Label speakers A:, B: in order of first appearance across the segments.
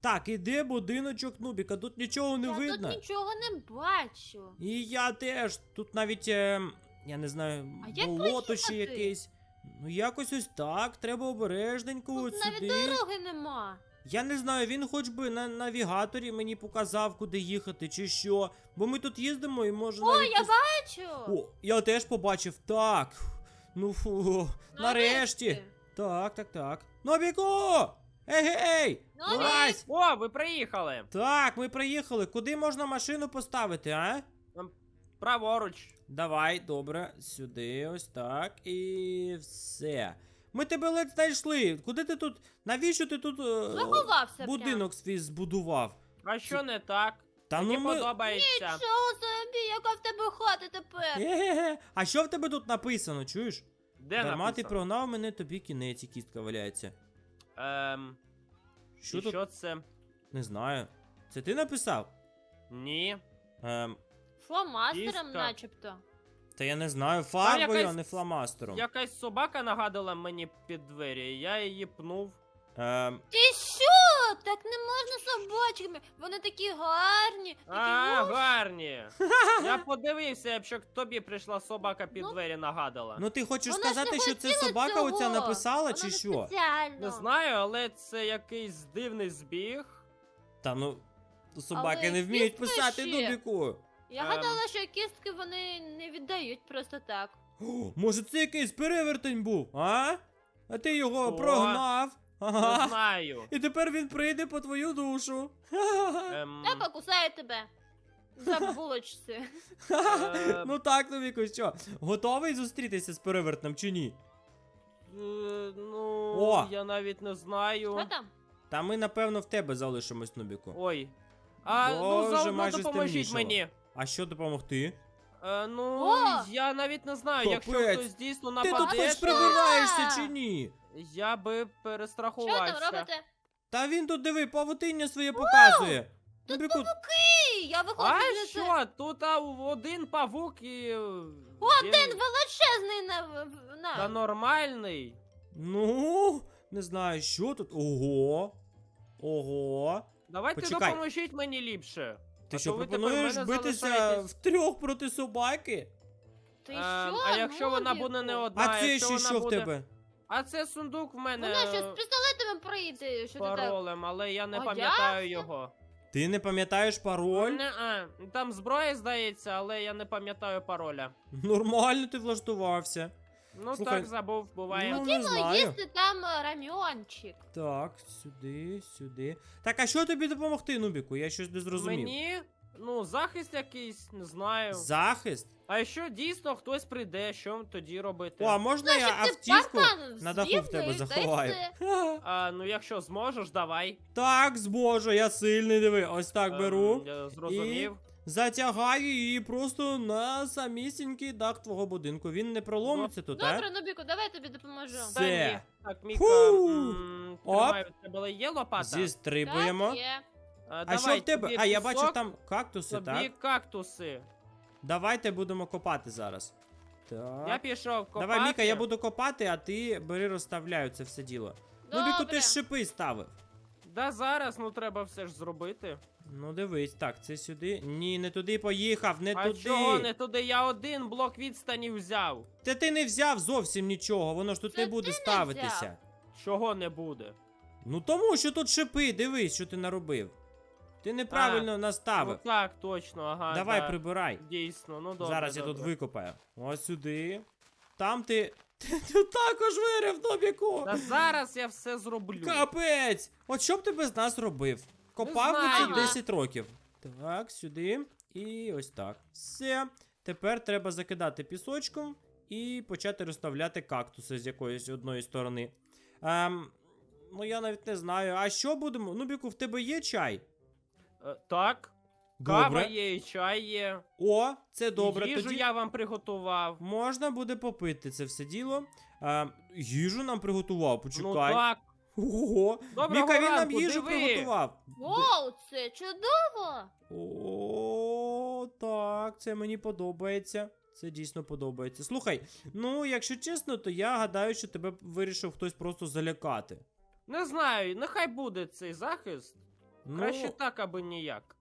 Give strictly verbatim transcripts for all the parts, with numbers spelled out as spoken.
A: Так, іде будиночок Нубіка, тут нічого не
B: Я
A: видно.
B: тут нічого не бачу.
A: І я теж. Тут навіть, е, я не знаю,
B: А як
A: болото ще
B: проїхати?
A: якесь. Ну якось ось так, треба обережненько
B: Тут
A: от
B: навіть
A: сюди.
B: дороги нема.
A: Я не знаю, він хоч би на навігаторі мені показав, куди їхати, чи що. Бо ми тут їздимо і може
B: О,
A: навіть...
B: я
A: ось-
B: бачу.
A: О, я теж побачив, так. Ну фу, нарешті.
B: Нарешті.
A: Так, так, так. Нобіку! Ей-гей!
B: Нобік!
A: Вилазь!
C: О, ви приїхали.
A: Так, ми приїхали. Куди можна машину поставити, а?
C: Праворуч.
A: Давай, добре, сюди, ось так, і все. Ми тебе ледь знайшли. Куди ти тут? Навіщо ти тут е,
B: Заховався
A: будинок свій збудував?
C: А що не так?
A: Та
C: Мені
A: ну ми...
C: подобається.
B: прям. Нічого собі, яка в тебе хата тепер.
A: Е-ге-ге. А що в тебе тут написано, чуєш?
C: Де
A: Дарма ти
C: написано?
A: прогнав мене, тобі кінець, і кістка валяється.
C: Ем,
A: Що
C: і
A: тут?
C: що це?
A: Не знаю. Це ти написав?
C: Ні.
A: Ем,
B: Фломастером
C: Кістка.
B: начебто.
A: та я не знаю, фарбою,
C: якась-
A: а не фломастером.
C: Якась собака нагадала мені під двері, і я її пнув.
A: Ем,
B: Ти що? Так не можна собачками. Вони такі гарні. Такі
C: А,
B: вуш-
C: гарні. Я подивився, якщо тобі прийшла собака під
B: Ну,
C: двері нагадала.
A: ну ти хочеш
B: Вона ж
A: сказати,
B: не
A: що це
B: хотіла
A: собака
B: цього.
A: оця написала,
B: Вона
A: чи
B: не
A: що?
B: спеціально.
C: Не знаю, але це якийсь дивний збіг.
A: Та ну, собаки
B: Але
A: не вміють
B: кістка
A: писати,
B: ще.
A: Дубіку.
B: Я
C: Ем.
B: гадала, що кістки вони не віддають просто так.
A: О, може це якийсь перевертень був, а? А ти його
C: О.
A: прогнав.
C: Не
A: Ага.
C: знаю.
A: І тепер він прийде по твою душу.
C: Ем,
B: Я покусаю тебе. За булочці.
C: Е.
A: Ну так, Нубіку, що? Готовий зустрітися з перевертнем чи ні?
C: е, ну,
A: О.
C: я навіть не знаю.
B: Що там?
A: Та ми, напевно, в тебе залишимось, Нубіку.
C: Ой. А,
A: Боже,
C: ну заодно
A: майже
C: допоможіть
A: стемнішало.
C: мені.
A: А що допомогти?
C: Е, ну,
B: О!
C: я навіть не знаю, якщо
A: Капець.
C: хтось дійсно
A: Ти тут
C: нападе,
A: хоч
C: то
A: прибираєшся чи ні?
C: я би
B: Що
C: перестрахувався.
B: там робите?
A: Та він тут, диви, павутиння своє показує.
B: Тут
A: Нубіку,
B: Ей, я виходжу
C: А
B: звідси.
C: що? Тут а, один павук і...
B: Один величезний на... в- на...
C: Та нормальний.
A: ну, не знаю, що тут. Ого. Ого.
C: Давайте
A: Почекай.
C: допоможіть мені ліпше.
A: Ти
C: А
A: що,
C: то ви тепер
A: пропонуєш
C: мене
A: битися
C: залишаєтесь.
A: втрьох проти собаки?
B: Ти
C: Ем,
B: що?
C: а якщо вона
B: Нубіку?
C: буде не одна,
A: А це
C: якщо
A: ще
C: вона
A: що в
C: буде...
A: тебе?
C: А це сундук в мене
B: Вона що,
C: е,
B: з пістолетами прийде? Що ти так?
C: паролем, але я не
B: А
C: пам'ятаю його.
A: Ти не пам'ятаєш пароль?
C: Не, а, там зброя здається, але я не пам'ятаю пароля.
A: Нормально ти влаштувався.
C: Ну
A: Слухай,
C: так, забув, буває.
A: ну, не
B: Хотіла
A: знаю.
B: їсти там е, рамьончик.
A: Так, сюди, сюди. Так, а що тобі допомогти, Нубіку? Я щось не зрозумів.
C: Мені, ну, захист якийсь, не знаю.
A: Захист?
C: А якщо дійсно хтось прийде, що тоді робити?
A: О, а можна я
B: Щоб ти
A: автівку
B: паркан
A: на даху
B: звів,
A: в тебе
B: ну, і та й
A: заховаю?
B: все.
A: Ха.
C: А, ну якщо зможеш, давай.
A: Так, зможу, я сильний, диви. Ось так
C: Ем,
A: беру.
C: Я зрозумів.
A: Затягаю її просто на самісінький дах твого будинку. Він не проломиться тут,
B: Добре,
A: а?
B: Нубіку, давай я тобі допоможу.
A: Все.
C: Та ні. Так, Міка,
A: Фу.
C: м,
A: Оп.
C: тримай, у тебе є лопата?
A: Зістрибуємо.
B: Так, є.
C: А,
A: А
C: давай,
A: що в тебе?
C: тобі
A: А, я
C: пісок,
A: бачу там кактуси,
C: тобі
A: так?
C: кактуси.
A: Давайте будемо копати зараз. Так.
C: Я пішов копати.
A: Давай, Міка, я буду копати, а ти бери розставляю це все діло. Ну, Біку, ти
B: Добре.
A: ж шипи ставив.
C: Да зараз, ну треба все ж зробити.
A: Ну дивись, так, це сюди. Ні, не туди поїхав, не
C: а
A: туди.
C: чого не туди? Я один блок відстані взяв.
A: Та ти не взяв зовсім нічого, воно ж тут
B: Це
A: не буде
B: ти не
A: ставитися.
B: взяв.
C: Чого не буде?
A: Ну тому що тут шипи, дивись, що ти наробив. Ти неправильно наставив.
C: Ну так, точно, ага.
A: Давай,
C: да.
A: прибирай.
C: Дійсно, ну добре.
A: Зараз я
C: добре.
A: тут викопаю. Ось сюди. Там ти. Ти тут також вирив, Нобіку!
C: Та зараз я все зроблю.
A: Капець! От що б ти без нас робив? Копав би
C: знаю.
A: це десять років. Так, сюди. І ось так. Все. Тепер треба закидати пісочком і почати розставляти кактуси з якоїсь одної сторони. Ем, ну я навіть не знаю. А що будемо? Нубіку, в тебе є чай?
C: Е, так, кава
A: Добре.
C: є, і чай є.
A: О, це добре.
C: І їжу
A: Тоді
C: я вам приготував.
A: можна буде попити це все діло. Ем, їжу нам приготував,
C: Ну
A: почекай.
C: так.
A: Ого.
C: Доброго
A: Міка, він нам
C: ранку,
A: їжу
C: диви.
A: приготував.
B: Вау, це чудово!
A: О, так, це мені подобається. Це дійсно подобається. Слухай, ну, якщо чесно, то я гадаю, що тебе вирішив хтось просто залякати.
C: Не знаю, нехай буде цей захист.
A: Ну,
C: Краще так, аби ніяк.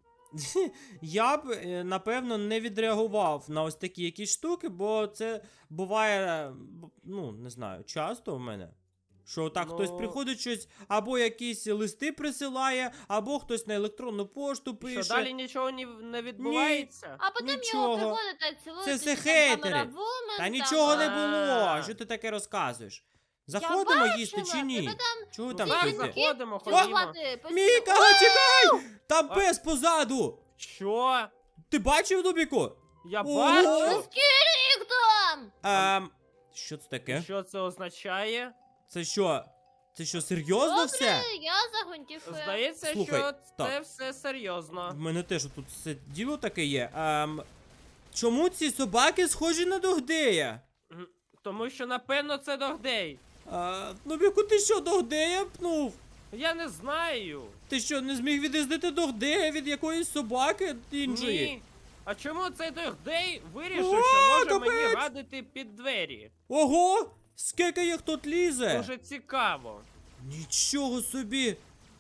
A: я б, е, напевно, не відреагував на ось такі якісь штуки, бо це буває, е, б- ну, не знаю, часто в мене. Що так хтось
C: Ну-
A: приходить щось, або якісь листи присилає, або хтось на електронну пошту пише.
C: Що далі нічого ні, не відбувається?
B: А потім
A: Нічого.
B: його приходить та цілують.
A: Це все
B: там
A: хейтери.
B: Camera Woman,
A: Та
B: там,
A: нічого не
B: а,
A: було.
C: А.
A: Що ти таке розказуєш?
B: Я
A: Заходимо їсти
B: бачила,
A: чи ні?
B: тебе там
A: Чого ви
C: Ну
A: там
C: так,
A: стоїте?
C: заходимо,
B: цілувати
C: ходімо.
B: постійно.
A: Міка, чекай! Там
C: А-
A: пес позаду!
C: Що?
A: Ти бачив, Дубіку?
C: Я
A: Ого!
C: бачу.
B: Скільки їх там?
A: Ем, що це таке?
C: Що це означає?
A: Це що? Це що, серйозно
B: Добре,
A: все?
B: я за гвинтівкою.
C: Здається,
A: Слухай,
C: що
A: так.
C: це все серйозно.
A: В мене теж тут все діло таке є. Ем, чому ці собаки схожі на Догдея?
C: М, Тому що, напевно, це Догдей.
A: А, Нубіку, ти що, Догдея пнув?
C: Я не знаю.
A: Ти що, не зміг від'їздити Догдея від якоїсь собаки іншої?
C: Ні. А чому цей Догдей вирішив,
A: О,
C: що може
A: капець!
C: мені гадити під двері?
A: Ого! Скільки їх тут лізе?
C: Дуже цікаво.
A: Нічого собі.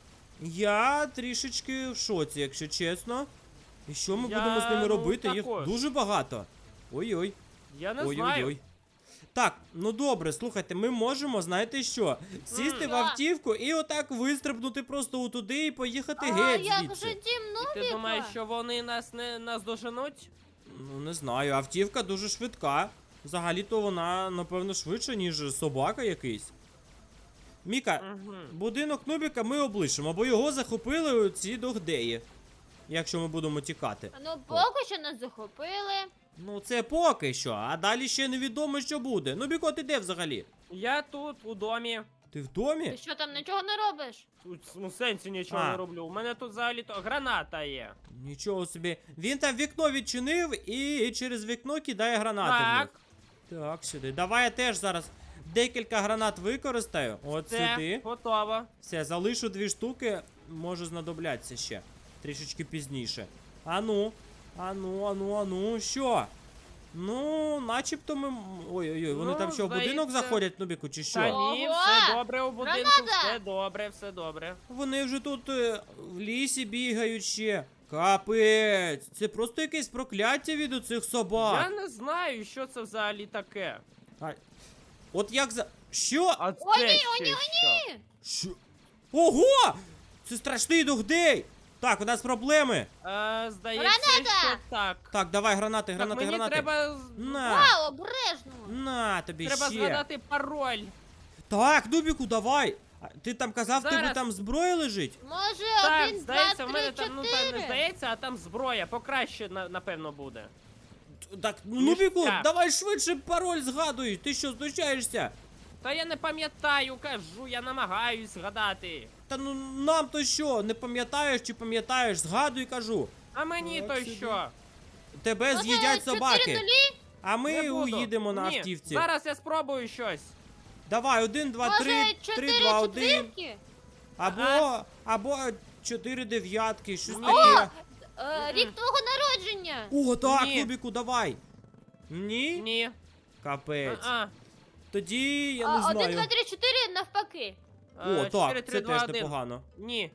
A: Я трішечки в шоці, якщо чесно. І що ми
C: Я,
A: будемо з ними
C: ну,
A: робити? Їх
C: також.
A: дуже багато. Ой-ой.
C: Я не
A: Ой-ой-ой.
C: знаю.
A: Так, ну добре, слухайте, ми можемо, знаєте що, сісти
C: М.
A: в автівку і отак вистрибнути просто отуди і поїхати
B: А
A: геть
B: як
A: звідси.
B: же дім
C: Ти
B: Нубіка?
C: думаєш, що вони нас не наздоженуть?
A: Ну, не знаю, автівка дуже швидка. Взагалі-то вона, напевно, швидша, ніж собака якийсь. Міка,
C: Угу.
A: будинок Нубіка ми облишимо, бо його захопили ці догдеї. Якщо ми будемо тікати.
B: Ну, поки що нас захопили.
A: Ну, це поки що, а далі ще невідомо, що буде. Нубіко, ти де взагалі?
C: Я тут, у домі.
A: Ти в домі?
B: Ти що там нічого не робиш?
C: Тут у сенсі нічого
A: А.
C: не роблю. У мене тут взагалі то граната є.
A: Нічого собі. Він там вікно відчинив і через вікно кидає гранати в них.
C: Так,
A: Так, сюди. Давай я теж зараз декілька гранат використаю. От
C: це
A: сюди.
C: готово.
A: Все, залишу дві штуки, може знадобляться ще. Трішечки пізніше. Ану, ану, ану, ану, що? Ну, начебто ми. м- Ой-ой-ой, вони
C: Ну,
A: там що, в будинок
C: здається-
A: заходять, Нубіку, чи що?
C: Та ні,
B: Ого!
C: все добре у будинку,
B: Граната!
C: все добре, все добре.
A: Вони вже тут е, в лісі бігають ще. Капець, це просто якесь прокляття від оцих собак.
C: Я не знаю, що це взагалі таке.
A: А, от як за. Що?
C: А це
B: О, ні,
C: ще
B: о, ні, о,
C: що?
A: Що? Ого! Це страшний догдей! Так, у нас проблеми.
C: Е, здається,
B: Граната!
C: що так.
A: Так, давай гранати,
C: Так,
A: гранати,
C: мені
A: гранати.
C: треба, з-
A: На,
B: Вау, обережно.
A: на тобі
C: треба
A: ще.
C: згадати пароль.
A: Так, Дубіку, давай. А, ти там казав, в тебе
C: Зараз.
A: там зброя лежить?
B: Може,
C: Так,
B: один,
C: здається,
B: два,
C: в мене
B: три,
C: там, ну там не
B: чотири?
C: здається, а там зброя, покраще, на- напевно, буде.
A: Т- Так, ну,
C: Ніж
A: Нубіку,
C: ця.
A: давай швидше пароль згадуй. Ти що, знущаєшся?
C: Та я не пам'ятаю, кажу, я намагаюсь згадати.
A: Та ну нам то що, не пам'ятаєш чи пам'ятаєш? Згадуй, кажу.
C: А мені
A: Так
C: то
A: собі.
C: що?
A: Тебе
B: Може,
A: з'їдять
B: чотири
A: собаки.
B: нулі?
A: А ми
C: Не буду.
A: уїдемо на
C: Ні,
A: автівці.
C: Зараз я спробую щось.
A: Давай, один, два,
B: Може,
A: три, три,
B: чотири
A: два, один.
B: четвірки?
A: Або, або чотири дев'ятки, щось
C: Ні.
A: таке.
B: Е, Рік твого народження.
A: О, так,
C: Ні.
A: Нубіку, давай. Ні?
C: Ні.
A: Капець.
C: А,
A: Тоді я
B: А,
A: не
B: Один,
A: знаю.
B: два, три, чотири навпаки.
A: О,
C: е, чотири,
A: так,
C: три,
A: це
C: два,
A: теж
C: один.
A: непогано.
C: Ні.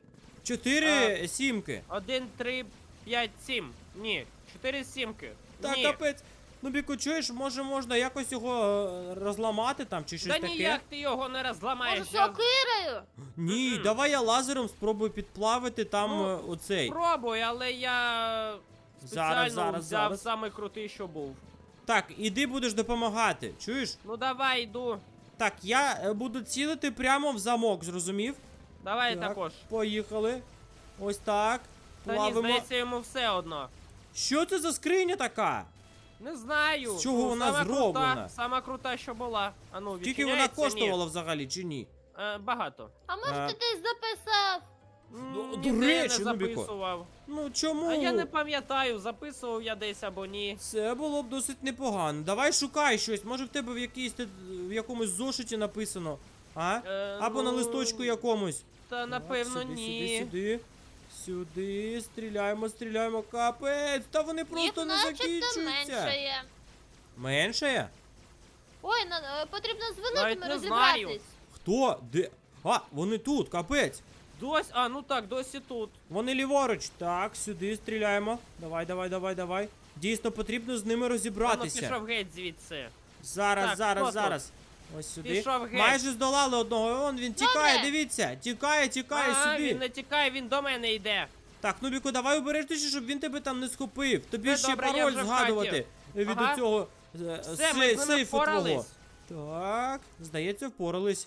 A: Чотири сімки.
C: Один, три, п'ять, сім. Ні. Чотири сімки.
A: Так,
C: Ні.
A: капець. Нубіку, чуєш, може можна якось його е, розламати там чи щось
C: Та
A: таке?
C: ніяк ти його не розламаєш.
B: Може,
C: я
B: сокирою?
A: Ні,
C: Мгм.
A: давай я лазером спробую підплавити там
C: Ну,
A: е, оцей.
C: Спробуй, але я спеціально
A: Зараз, зараз,
C: взяв
A: зараз.
C: самий крутий, що був.
A: Так, іди будеш допомагати. Чуєш?
C: Ну давай, йду.
A: Так, я е, буду цілити прямо в замок, зрозумів?
C: Давай
A: Так.
C: також.
A: Поїхали. Ось так.
C: Та ні,
A: Плавимо.
C: здається, йому все одно.
A: Що це за скриня така?
C: Не знаю.
A: З чого
C: Ну,
A: вона
C: сама
A: зроблена?
C: Крута, сама крута, що була. А ну,
A: Скільки вона
C: відчиняється?
A: коштувала взагалі, чи ні?
C: Ні. Е, багато.
B: А може
A: А.
B: ти десь записав?
A: Ну,
C: М,
A: до
C: ніде
A: речі,
C: не
A: Нубіко.
C: записував.
A: Ну чому?
C: А я не пам'ятаю, записував я десь або ні.
A: Це було б досить непогано. Давай шукай щось. Може в тебе в якійсь те- в якомусь зошиті написано. А?
C: Е,
A: Або на
C: ну,
A: листочку якомусь.
C: Та напевно
A: Так, сюди,
C: ні.
A: Сюди, сюди. Сюди, стріляємо, стріляємо, капець. Та вони просто
B: Їх
A: не
B: начебто
A: закінчуються.
B: меншає.
A: Меншає?
B: Ой, на- е, потрібно з
C: Навіть
B: великими
C: не
B: розібратись.
C: знаю.
A: Хто? Де? А, вони тут, капець.
C: Дось, а, ну так, досі тут.
A: Вони ліворуч. Так, сюди стріляємо. Давай, давай, давай, давай. Дійсно, потрібно з ними
C: Ану,
A: розібратися.
C: пішов геть звідси.
A: Зараз,
C: Так,
A: зараз,
C: хто тут?
A: зараз. Ось сюди.
C: Пішов геть.
A: Майже здолали одного. Вон він тікає,
B: Добре.
A: дивіться. Тікає, тікає
C: А,
A: сюди.
C: він не тікає, він до мене йде.
A: Так, Нубіку, давай обережніше, щоб він тебе там не схопив. Тобі
C: Це
A: ще
C: добре, я
A: пароль
C: вже в
A: згадувати від
C: Ага.
A: цього
C: Все, ми з ними
A: сейфу твого.
C: впорались.
A: Так, здається, впорались.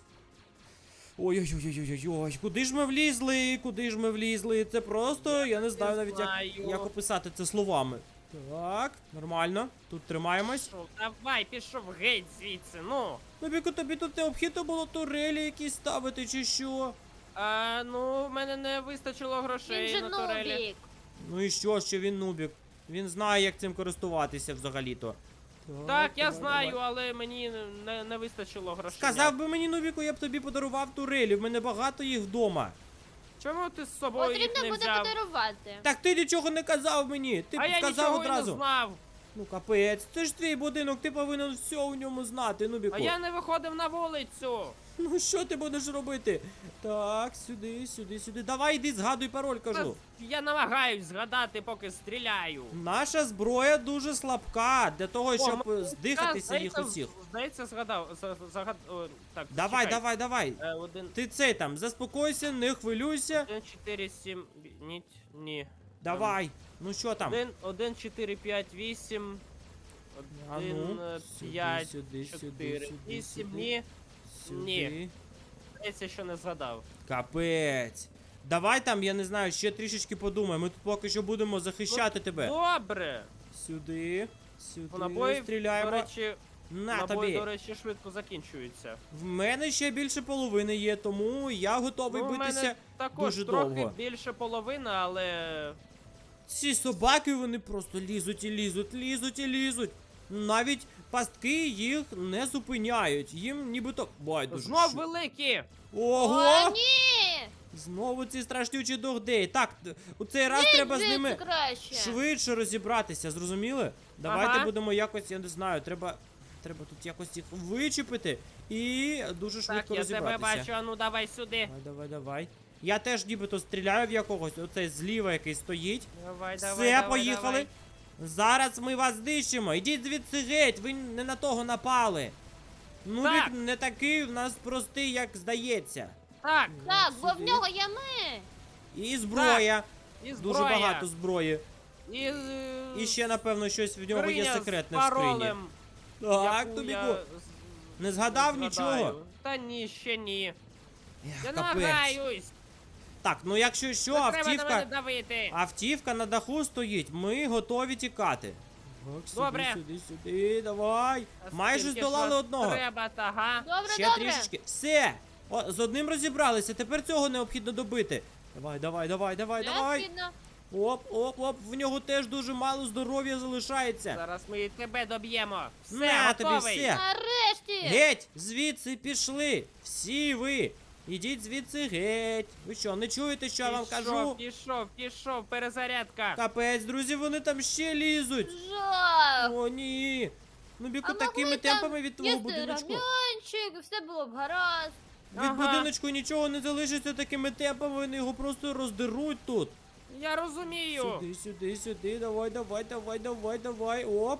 A: Ой-ой-ой-ой-ой-ой, куди ж ми влізли? Куди ж ми влізли? Це просто, я не знаю навіть, як,
C: знаю.
A: як описати це словами. Так, нормально. Тут тримаємось.
C: Пішов, давай, пішов геть звідси, ну.
A: Нубіку, тобі тут необхідно було турелі якісь ставити чи що?
C: А, ну, в мене не вистачило
B: Він
C: грошей
B: же
C: на турелі.
B: нубік.
A: Ну і що, що він нубік? Він знає, як цим користуватися взагалі-то.
C: Так, я
A: давай,
C: знаю,
A: давай.
C: але мені не, не вистачило грошей.
A: Сказав би мені, Нубіку, я б тобі подарував турелі, в мене багато їх вдома.
C: Чому ти з собою їх
B: Потрібно
C: не
B: буде
C: взяв?
B: подарувати.
A: Так ти нічого не казав мені, ти
C: а
A: б
C: я
A: сказав
C: нічого
A: одразу.
C: і не знав.
A: Ну капець, це ж твій будинок, ти повинен все у ньому знати, Нубіку.
C: А я не виходив на вулицю.
A: Ну що ти будеш робити? Так, сюди, сюди, сюди. Давай йди, згадуй пароль, кажу.
C: Я намагаюсь згадати, поки стріляю.
A: Наша зброя дуже слабка для того, щоб
C: ну,
A: здихатися
C: та,
A: їх
C: здається,
A: усіх.
C: Здається, згадав. за- Загад... О, так,
A: Давай,
C: чекай.
A: давай, давай.
C: Е, один,
A: Ти цей там, заспокойся, не хвилюйся.
C: один, чотири, сім, ні, ні.
A: Давай. Ну що там?
C: Один, один, чотири, п'ять, вісім.
A: А
C: Один,
A: ну,
C: е,
A: сюди,
C: п'ять,
A: сюди, сюди,
C: чотири,
A: сюди,
C: вісім,
A: сюди.
C: ні.
A: Сюди.
C: Ні. Здається, що не згадав.
A: Капець. Давай там, я не знаю, ще трішечки подумай. Ми тут поки що будемо захищати тебе.
C: Добре.
A: Сюди. Сюди.
C: По набої,
A: Стріляємо.
C: до речі,
A: На
C: набої,
A: тобі.
C: до речі, швидко закінчуються.
A: В мене ще більше половини є, тому я готовий
C: Ну, у
A: битися.
C: мене також
A: дуже
C: трохи
A: довго.
C: більше половини, але
A: Ці собаки, вони просто лізуть і лізуть, лізуть і лізуть. Навіть пастки їх не зупиняють. Їм нібито байдуже.
C: знов
A: що-
C: великі.
A: Ого!
B: О, ні!
A: Знову ці страшнючі догдеї. Так, т- у цей раз треба з
B: Звідси
A: ними
B: краще.
A: швидше розібратися, зрозуміли? Давайте
C: Ага.
A: будемо якось, я не знаю, треба. Треба тут якось їх вичепити і дуже
C: Так,
A: швидко
C: я
A: розібратися.
C: тебе бачу, а ну давай сюди.
A: Давай, давай, давай. Я теж нібито стріляю в якогось, оцей зліва, який стоїть.
C: Давай,
A: Все,
C: давай, давай,
A: поїхали.
C: давай.
A: Зараз ми вас знищимо. Ідіть звідси геть, ви не на того напали. Ну,
C: Так.
A: він не такий в нас простий, як здається.
C: Так,
B: Так, бо в
A: Сюди.
B: нього є ми.
A: І зброя.
C: і
A: Дуже
C: зброя.
A: багато зброї.
C: І, е,
A: І ще, напевно, щось в нього є
C: скриня з
A: секретне в скрині.
C: паролем,
A: Так,
C: яку
A: тобі
C: я
A: ку-
C: з-
A: Не згадав
C: не
A: нічого?
C: згадаю. Та ні, ще ні.
A: Ех,
C: Я
A: капець.
C: намагаюсь.
A: Так, ну якщо що,
C: Не треба на мене
A: автівка.
C: давити.
A: Автівка на даху стоїть, ми готові тікати. Так, сюди,
C: Добре.
A: сюди, сюди, давай.
C: А
A: Майже
C: скільки ж
A: здолали
C: вас
A: одного.
C: Треба, та, га?
B: Добре,
A: Ще
B: добре.
A: трішечки. Все! О, з одним розібралися, тепер цього необхідно добити. Давай, давай, давай, давай, давай.
B: Необхідно.
A: Оп, оп, оп, в нього теж дуже мало здоров'я залишається.
C: Зараз ми і тебе доб'ємо. Все,
A: На тобі
C: готовий.
A: все.
B: Нарешті.
A: Геть! Звідси пішли! Всі ви! Ідіть звідси геть! Ви що, не чуєте, що я вам кажу?
C: Пішов, пішов, пішов, перезарядка.
A: Капець, друзі, вони там ще лізуть!
B: Жах.
A: О, ні! Ну, Біку,
B: А
A: такими
B: могли там
A: темпами від твого
B: Їсти
A: будиночку.
B: рам'янчик, все було б гаразд.
A: Від
C: Ага.
A: будиночку нічого не залишиться такими темпами, вони його просто роздеруть тут.
C: Я розумію.
A: Сюди, сюди, сюди, давай, давай, давай, давай, давай, оп.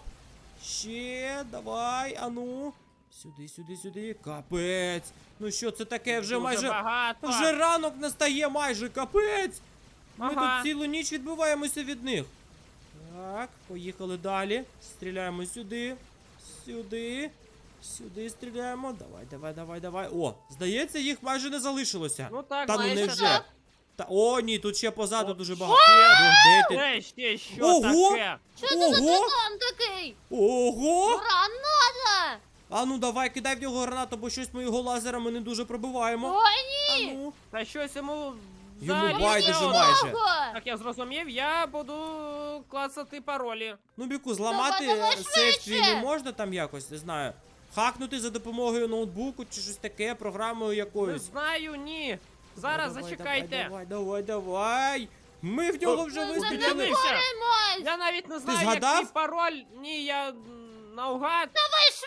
A: Ще, давай, ану. Сюди, сюди, сюди. Капець. Ну що це таке? Вже
C: Дуже
A: майже.
C: багато.
A: Вже ранок настає майже, капець. Ми
C: Ага.
A: тут цілу ніч відбиваємося від них. Так, поїхали далі. Стріляємо сюди. Сюди. Сюди стріляємо. Давай, давай, давай, давай. О, здається, їх майже не залишилося.
C: Ну так,
A: Та ну
B: майже
A: невже.
B: так.
A: Та о, ні, тут ще позаду
C: О.
A: дуже багато. Де ти?
C: Е, ще що
A: Ого!
C: таке?
B: Що це за
A: Ого!
B: титан такий?
A: Ого!
B: Граната!
A: А ну давай, кидай в нього гранату, бо щось ми його лазерами не дуже пробиваємо.
B: Ой,
A: А
B: ні!
A: ну.
C: Та щось йому
A: Йому
C: взагалі
A: байдуже
C: не
A: майже.
B: Ого!
C: Так, я зрозумів, я буду клацати паролі.
A: Ну, Біку, зламати
B: Давай, давай
A: е, сейф твій
B: швидше!
A: не можна там якось, не знаю. Хакнути за допомогою ноутбуку чи щось таке, програмою
C: Не
A: якоюсь.
C: знаю, ні. Зараз
A: Давай,
C: зачекайте.
A: Давай, давай, давай, давай. Ми в нього
C: О,
A: вже
B: Ми
A: вистрілили.
C: Зупинився.
B: заборемось!
C: Я навіть не знаю,
A: згадав?
C: який пароль. Ні, я м, наугад.
B: Давай швидше!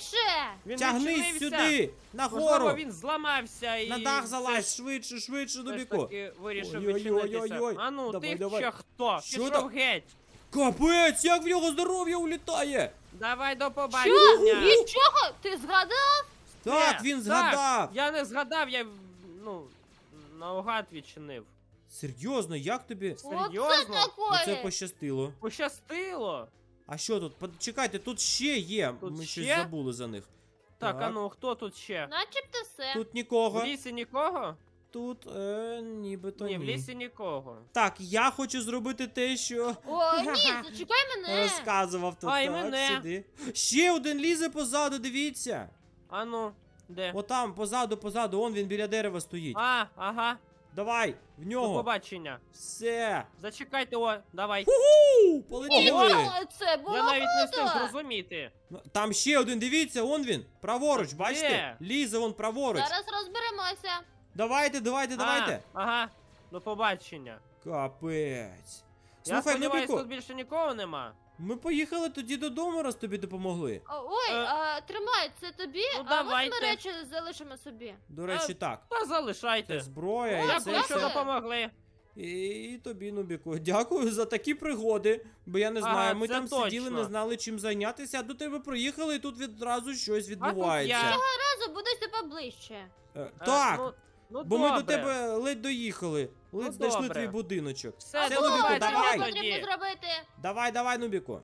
B: швидше!
C: Він
A: Тягнись
C: відчинився.
A: сюди!
C: Можливо,
A: Нагору!
C: він зламався і...
A: На дах
C: все
A: залазь,
C: ж-
A: швидше, швидше,
C: все ж
A: Нубіку!
C: таки вирішив
A: Ой-ой-ой-ой-ой.
C: відчинитися. А ну,
A: Давай,
C: ти
A: давай.
C: ще хто?
A: Що
C: Пішов
A: там?
C: геть.
A: Капець, як в нього здоров'я улітає!
C: Давай до
B: Що?
C: побачення.
B: Від чого? Ти згадав?
A: Так,
C: Ні,
A: він згадав!
C: Я не згадав, я, ну, наугад відчинив.
A: Серйозно, як тобі?
B: Оце
C: Серйозно?
B: такое!
A: Оце пощастило.
C: Пощастило.
A: А що тут? Под- Чекайте, тут ще є.
C: Тут
A: Ми щось
C: ще?
A: забули за них.
C: Так, а ну, хто тут ще?
B: Начебто все.
A: Тут нікого.
C: В лісі нікого?
A: Тут е, нібито
C: Ні,
A: ні.
C: в лісі нікого.
A: Так, я хочу зробити те, що
B: О, ні, зачекай мене.
A: розказував тут.
C: А, і
A: Так,
C: мене.
A: сюди. Ще один лізе позаду, дивіться.
C: А ну, де?
A: Отам, позаду, позаду, он він біля дерева стоїть.
C: А, ага,
A: Давай, в
C: до
A: нього.
C: побачення.
A: Все.
C: Зачекайте, о, давай.
A: У, полетіли.
B: Ого, це було
C: Я навіть не встиг
B: круто.
C: зрозуміти.
A: Ну, там ще один, дивіться, он він. Праворуч,
C: Де?
A: бачите? Лізе вон праворуч.
B: Зараз розберемося.
A: Давайте, давайте, давайте.
C: А, ага, до побачення.
A: Капець.
C: Я
A: Слухай,
C: сподіваюся,
A: Нубіку,
C: тут більше нікого нема.
A: ми поїхали тоді додому, раз тобі допомогли.
B: О, Ой,
C: Е.
B: а, тримай, це тобі,
C: Ну,
B: а
C: давайте.
B: можна речі залишимо собі.
A: До речі, так.
C: Та
A: Це
C: залишайте.
A: зброя,
B: О,
A: і це
C: Дякую, що
B: все.
C: допомогли.
A: І, і тобі, Нубіку. Дякую за такі пригоди. Бо я не
C: Ага,
A: знаю, ми
C: це
A: там сиділи,
C: точно.
A: не знали чим зайнятися, а до тебе приїхали, і тут відразу щось
C: А тут
A: відбувається.
C: я.
B: Разу будуйте поближче.
A: Е,
C: Е,
A: так,
C: ну, ну,
A: бо ми до
C: добре.
A: тебе ледь доїхали. Ледь
C: Ну,
A: знайшли
C: добре.
A: твій будиночок.
C: Все,
A: Все,
C: до
A: Нубіку,
C: побачення
A: давай.
B: Що потрібно
C: тоді.
B: зробити?
A: Давай, давай, Нубіку.